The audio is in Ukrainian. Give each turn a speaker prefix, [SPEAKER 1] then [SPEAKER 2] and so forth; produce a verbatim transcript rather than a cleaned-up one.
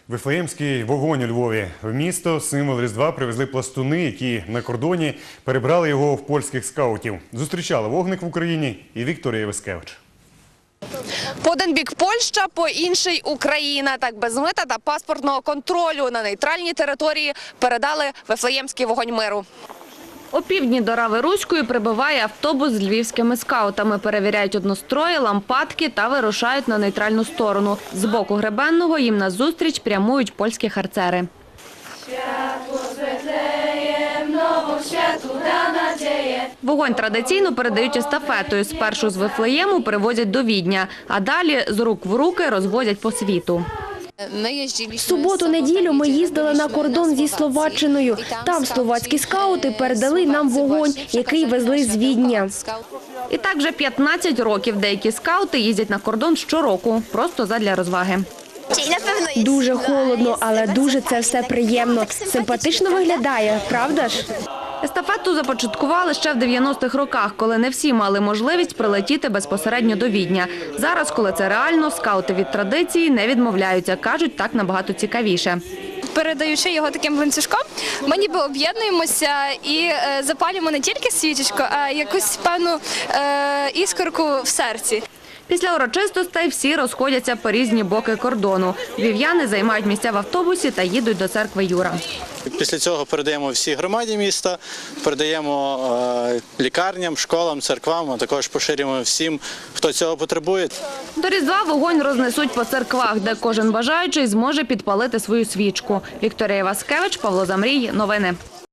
[SPEAKER 1] Вифлеємський вогонь у Львові. В місто символ Різдва привезли пластуни, які на кордоні перебрали його в польських скаутів. Зустрічала вогник в Україні і Вікторія Васкевич.
[SPEAKER 2] По один бік Польща, по інший Україна. Так без мита та паспортного контролю на нейтральній території передали Вифлеємський вогонь миру. О півдні до Рави-Руської прибуває автобус з львівськими скаутами. Перевіряють однострої, лампадки та вирушають на нейтральну сторону. З боку Гребенного їм назустріч прямують польські харцери. Вогонь традиційно передають естафетою. Спершу з Вифлеєму привозять до Відня, а далі з рук в руки розвозять по світу.
[SPEAKER 3] В суботу-неділю ми їздили на кордон зі Словаччиною. Там словацькі скаути передали нам вогонь, який везли з Відня.
[SPEAKER 2] І так вже п'ятнадцять років деякі скаути їздять на кордон щороку, просто задля розваги.
[SPEAKER 3] Дуже холодно, але дуже це все приємно. Симпатично виглядає, правда ж?
[SPEAKER 2] Естафету започаткували ще в дев'яностих роках, коли не всі мали можливість прилетіти безпосередньо до Відня. Зараз, коли це реально, скаути від традиції не відмовляються. Кажуть, так набагато цікавіше.
[SPEAKER 4] Передаючи його таким ланцюжком, ми ніби об'єднуємося і запалюємо не тільки свічечку, а якусь певну іскорку в серці.
[SPEAKER 2] Після урочистостей всі розходяться по різні боки кордону. Львів'яни займають місця в автобусі та їдуть до церкви Юра.
[SPEAKER 5] Після цього передаємо всій громаді міста, передаємо лікарням, школам, церквам, а також поширюємо всім, хто цього потребує.
[SPEAKER 2] До Різдва вогонь рознесуть по церквах, де кожен бажаючий зможе підпалити свою свічку. Вікторія Васкевич, Павло Замрій. Новини.